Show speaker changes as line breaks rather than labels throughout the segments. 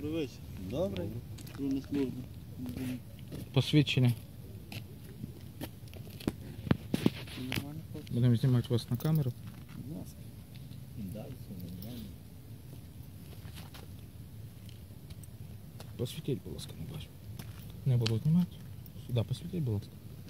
Добрий вечір.
Добре.
На службу.
Посвідчення. Будемо знімати вас на камеру.
Будь ласка. Да, все нормально.
Посвітіть, будь ласка, не бачу. Не буду знімати. Сюди посвітіть, будь ласка.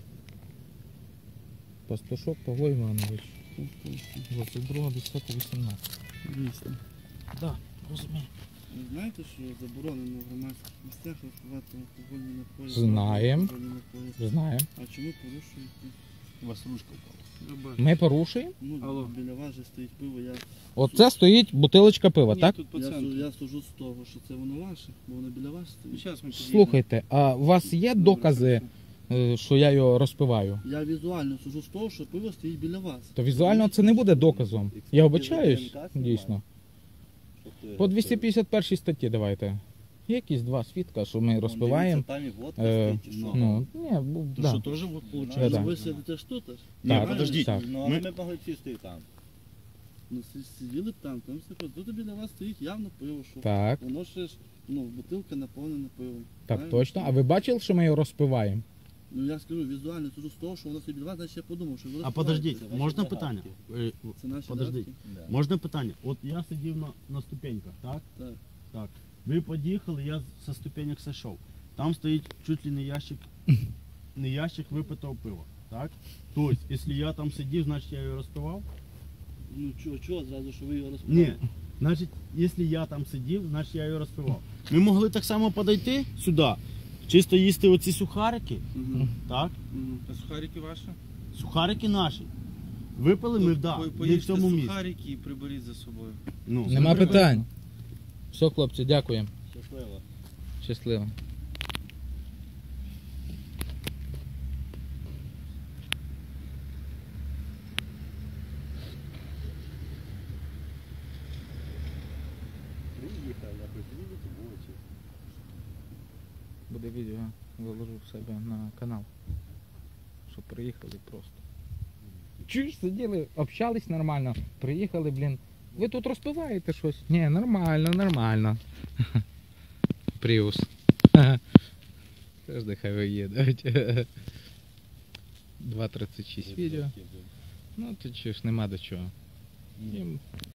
Пастушок Павло Іванович. 22.10.18.
Дійсно.
Так, розумію.
Ви знаєте, що заборонено в громадських місцях розпивати алкогольні напої?
Знаємо.
Алкогольні напої.
Знаємо.
А чому порушуєте?
У вас ручка впала.
Ми порушуємо.
Ну,
Алло.
біля вас же стоїть пиво, я...
Оце стоїть бутилочка пива,
Ні,
так?
тут
Я,
пацієнт.
я сужу з того, що це воно ваше, бо воно біля вас стоїть.
Зараз ми підійдемо.
Слухайте, а у вас є докази, що я його розпиваю?
Я візуально сужу з того, що пиво стоїть біля вас.
То візуально це не буде доказом. Я вибачаюсь, дійсно. По 251 статті давайте. Є якісь два свідка, що ми розпиваємо.
Там і водка
Е,
стоїть, чи що?
Ну, ні,
То
да.
що, теж вот
Ну,
виходить?
Да.
ви сидите ж тут аж?
Ні,
Так,
подождіть.
так.
Ну, але ми могли сісти там.
Ну, сиділи б там все ходить. Тут біля вас стоїть явно пиво, що
Так,
воно ще ж, ну, бутилка наповнена пивом.
так
Правильно?
точно. А ви бачили, що ми його розпиваємо?
Ну я скажу, візуально сужу з того, що воно стоїть біля вас, значить я подумав, що ви
А
розпиваєте.
подождіть, можна питання?
Це наші
Подождіть.
датки?
Да.
Можна питання? От я сидів на ступеньках, так?
Так.
Так. Ви поїхали, я со ступенек сошов. Там стоїть чуть ли не ящик випитого пива, так? Тобто, якщо я там сидів, значить я його розпивав?
Ну чого зразу, що ви його розпивали?
Ні. Значить, якщо я там сидів, значить я його розпивав. Ми могли так само подойти сюди, чисто їсти оці сухарики,
Угу.
так?
Угу.
А сухарики ваші?
Сухарики наші. Випили ми, да, не в
Поїжте
цьому місці.
сухарики і приберіть за собою.
Ну,
Нема питань. Все, хлопці, дякуємо.
Щасливо.
Щасливо.
Приїхали, а приїдете вулиці.
Буде відео, виложу в себе на канал. Щоб приїхали просто. Чуєш, сиділи, общались нормально. Приїхали, блін. Ви тут розпиваєте щось? Ні, нормально, нормально. Пріус. Теж нехай виїдуть. 2.36 відео. Ну, ти чуєш, нема до чого. Їм